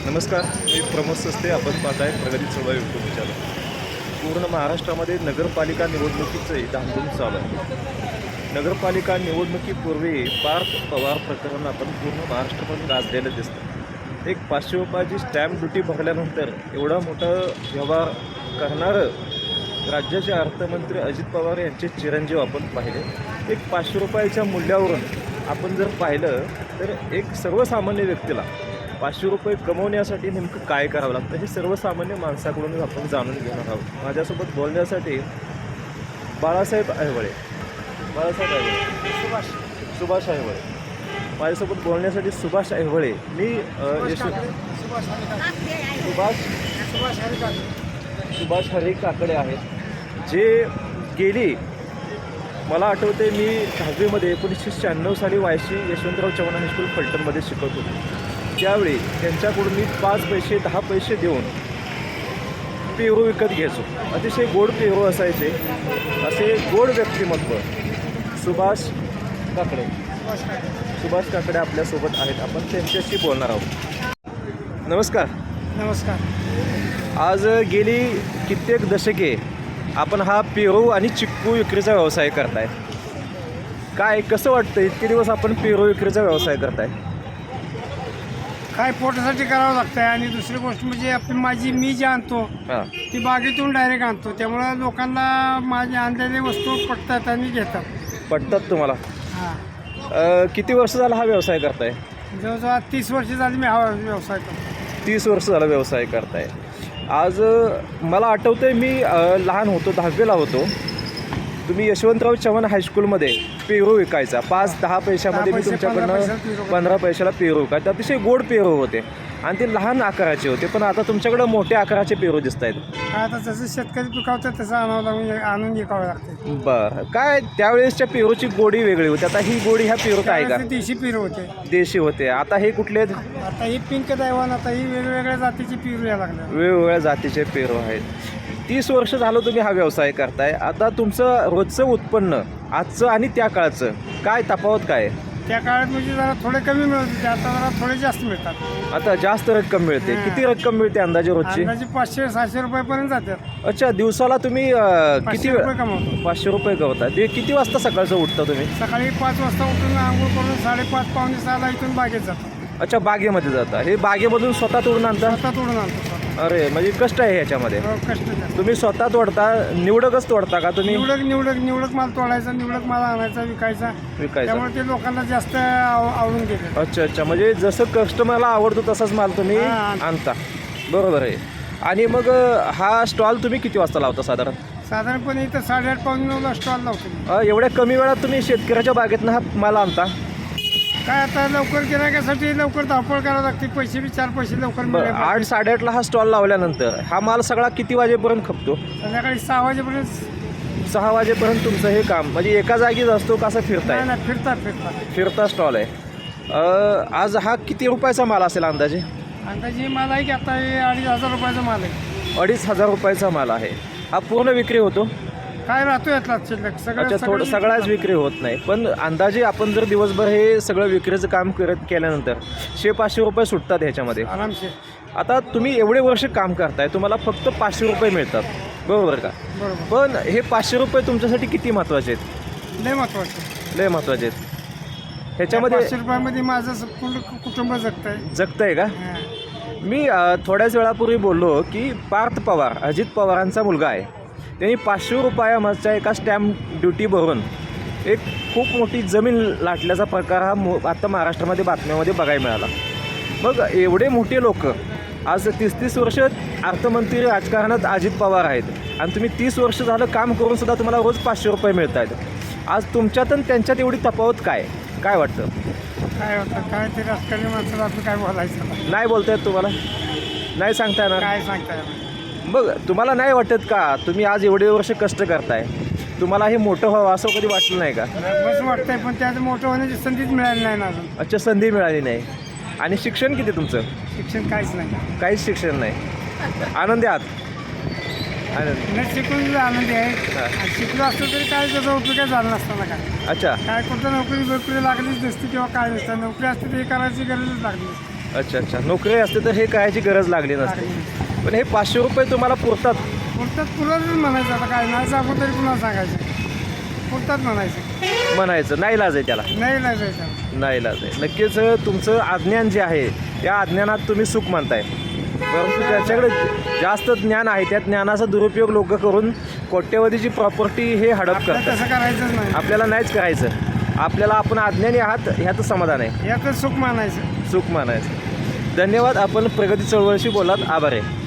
नमस्कार, मी प्रमोद सस्ते. आपण पाहताय प्रगती चळवळ यूट्यूब चॅनल. पूर्ण महाराष्ट्रामध्ये नगरपालिका निवडणुकीचे धामधूम चालू आहे. नगरपालिका निवडणुकीपूर्वी पार्थ पवार प्रकरण आपण पूर्ण महाराष्ट्रामध्ये गाजलेलं दिसतं. एक 500 रुपयाची स्टॅम्प ड्युटी भरल्यानंतर एवढा मोठा व्यवहार करणारं राज्याचे अर्थमंत्री अजित पवार यांचे चिरंजीव आपण पाहिले. एक 500 रुपयाच्या मूल्यावरून आपण जर पाहिलं तर एक सर्वसामान्य व्यक्तीला 500 रुपये कमवण्यासाठी नेमकं काय करावं लागतं हे सर्वसामान्य माणसाकडूनच आपण जाणून घेणार आहोत. माझ्यासोबत बोलण्यासाठी बाळासाहेब ऐहोळे सुभाष ऐहोळे माझ्यासोबत बोलण्यासाठी सुभाष ऐहोळे. मी सुभाष हरी काकडे आहेत, जे गेली मला आठवते मी 10वीमध्ये 1996 साली वायशी यशवंतराव चव्हाण हायस्कूल फलटणमध्ये शिकत होतो. त्यावेळी त्यांच्याकडून मी 5 पैसे 10 पैसे देऊन पेरू विकत घ्यायचो. अतिशय गोड पेरू असायचे. असे गोड व्यक्तिमत्व सुभाष काकडे आपल्यासोबत आहेत. आपण त्यांच्याशी बोलणार आहोत. नमस्कार. आज गेली कित्येक दशके आपण हा पेरू आणि चिक्कू विक्रीचा व्यवसाय करताय. काय कसं वाटतं इतके दिवस आपण पेरू विक्रीचा व्यवसाय करताय? काय पोटासाठी करावं लागतं आहे. आणि दुसरी गोष्ट म्हणजे मी जे आणतो ती बागेतून डायरेक्ट आणतो, त्यामुळं लोकांना माझ्या आणलेल्या वस्तू पटतात आणि पटतात तुम्हाला? हां. किती वर्ष झाला हा व्यवसाय करताय? जवळजवळ 30 वर्ष झाली मी हा व्यवसाय करतो. 30 वर्ष झाला व्यवसाय करताय. आज मला आठवतं मी लहान होतो, 10वीला होतो. तुम्ही यशवंतराव चव्हाण हायस्कूलमध्ये पेरू विकायचा 5-10 पैशामध्ये. मी तुमच्याकडनं 15 पैशाला पेरू विकायचा. अतिशय गोड पेरू होते आणि ते लहान आकाराचे होते. पण आता तुमच्याकडं मोठ्या आकाराचे पेरू दिसत आहेत. आता जसं शेतकरी पिकवतात तसं आणून विकावं लागते. बरं, काय त्यावेळेसच्या पेरूची गोडी वेगळी होती, आता ही गोडी ह्या पेरूत आहे का? देशी पेरू होते. देशी होते. आता हे कुठले? आता ही पिंक दैवान, आता ही वेगवेगळ्या जातीची पेरू यायला लागल्या. वेगवेगळ्या जातीचे पेरू आहेत. 30 वर्ष झालं तुम्ही हा व्यवसाय करताय. आता तुमचं रोजचं उत्पन्न आजचं आणि त्या काळचं काय तफावत काय? त्या काळात म्हणजे जरा थोडे कमी मिळत होते, आता जरा थोडे जास्त मिळतात. आता जास्त रक्कम मिळते. किती रक्कम मिळते अंदाजे रोजची? 500-600 रुपयापर्यंत जातात. अच्छा, दिवसाला तुम्ही किती रुपये कमवतो? 500 रुपये कमवता. ते किती वाजता सकाळचं उठता तुम्ही? सकाळी 5 वाजता उठून आंघोळ करून 5:30-5:45 इथून बागेत जातो. अच्छा, बागेमध्ये जाता. हे बागेमधून स्वतः तोडून आणता? स्वतः तोडून आणतो. अरे, म्हणजे कष्ट आहे ह्याच्यामध्ये. कष्ट जास्त. तुम्ही स्वतः तोडता? निवडकच तोडता का तुम्ही? निवडक माल तोडायचा, निवडक माल आणायचा, विकायचा. त्यामुळे ते लोकांना जास्त आवडून घेते. अच्छा, म्हणजे जसं कस्टमरला आवडतो तसाच माल तुम्ही आणता. बरोबर आहे. आणि मग हा स्टॉल तुम्ही किती वाजता लावता साधारणपणे इथं 8:30-9:00 स्टॉल लावतो. एवढ्या कमी वेळात तुम्ही शेतकऱ्याच्या बागेतनं हा माल आणता? काय आता लवकर गिरायकासाठी लवकर धावपळ करावं लागते. पैसे बी 4 पैसे लवकर मिळाले. 8-8:30ला हा स्टॉल लावल्यानंतर हा माल सगळा किती वाजेपर्यंत खपतो? संध्याकाळी 6 वाजेपर्यंत. 6 वाजेपर्यंत तुमचं हे काम म्हणजे एका जागीच असतो का? असं फिरताय? नाही, फिरता स्टॉल आहे. आज हा किती रुपयाचा माल असेल अंदाजे? माल आहे की आता हे 2,500 रुपयाचा माल आहे. 2,500 रुपयाचा माल आहे. हा पूर्ण विक्री होतो? काय राहतो यातला शिल्लक? अच्छा, सगळ्याच विक्री होत नाही. पण अंदाजे आपण जर दिवसभर हे सगळं विक्रीचं काम केल्यानंतर 100-500 रुपये सुटतात ह्याच्यामध्ये आरामशीर. आता तुम्ही एवढे वर्ष काम करताय, तुम्हाला फक्त 500 रुपये मिळतात, बरोबर का? बरोबर. पण हे 500 रुपये तुमच्यासाठी किती महत्त्वाचे आहेत? लय महत्त्वाचे आहेत. ह्याच्यामध्ये 500 रुपयामध्ये माझं पूर्ण कुटुंब जगतंय का? मी थोड्याच वेळापूर्वी बोललो की पार्थ पवार अजित पवारांचा मुलगा आहे. त्यांनी 500 रुपयामागच्या एका स्टॅम्प ड्युटी भरून एक खूप मोठी जमीन लाटल्याचा प्रकार हा आता महाराष्ट्रामध्ये बातम्यामध्ये बघायला मिळाला. मग एवढे मोठे लोक आज 30-30 वर्ष अर्थमंत्री राजकारणात अजित पवार आहेत आणि तुम्ही 30 वर्ष झालं काम करून सुद्धा तुम्हाला रोज 500 रुपये मिळत आहेत. आज तुमच्यात आणि त्यांच्यात एवढी तफावत काय वाटतं? काय ते राजकारणी माणसाला आपलं काय बोलायचं नाही बोलतायत तुम्हाला? नाही सांगता येणार? काय सांगता येणार? मग तुम्हाला नाही वाटत का तुम्ही आज एवढे वर्ष कष्ट करताय, तुम्हाला हे मोठं व्हावं असं कधी वाटलं नाही का? बस वाटतंय, पण त्यात मोठं होण्याची संधीच मिळाली नाही ना अजून. अच्छा, संधी मिळाली नाही. आणि शिक्षण किती तुमचं? शिक्षण काहीच नाही. काहीच शिक्षण नाही. आनंदी आहात? न शिकून आनंदी आहे. शिकलो असतो तरी काय त्याचा उपयोग काय झाला नसताना काय. अच्छा, काय कुठं नोकरी लागलीच नसती किंवा काय नसतं. नोकरी असते तरी करायची गरजच लागली. अच्छा अच्छा, नोकरी असते तर हे कायची गरज लागली नसते. पण हे 500 रुपये तुम्हाला पुरतात? पुरतात पुरतच म्हणायचं, आता काय नाही सांगू तरी पुन्हा सांगायचं, पुरतात म्हणायचं नाही लाज आहे त्याला? नाही जायचं. नाही लाज आहे. नक्कीच तुमचं अज्ञान जे आहे त्या अज्ञानात तुम्ही सुख मानताय, परंतु ज्याच्याकडे जास्त ज्ञान आहे त्या ज्ञानाचा दुरुपयोग लोक करून कोट्यवधीची प्रॉपर्टी हे हडप करतात. तसं करायचंच नाही. आपल्याला नाहीच करायचं. आपल्याला आपण अज्ञानी आहात ह्याचं समाधान आहे, यातच सुख मानायचं. सुख मानायचं. धन्यवाद. आपण प्रगती चळवळीशी बोलात. आभार आहे.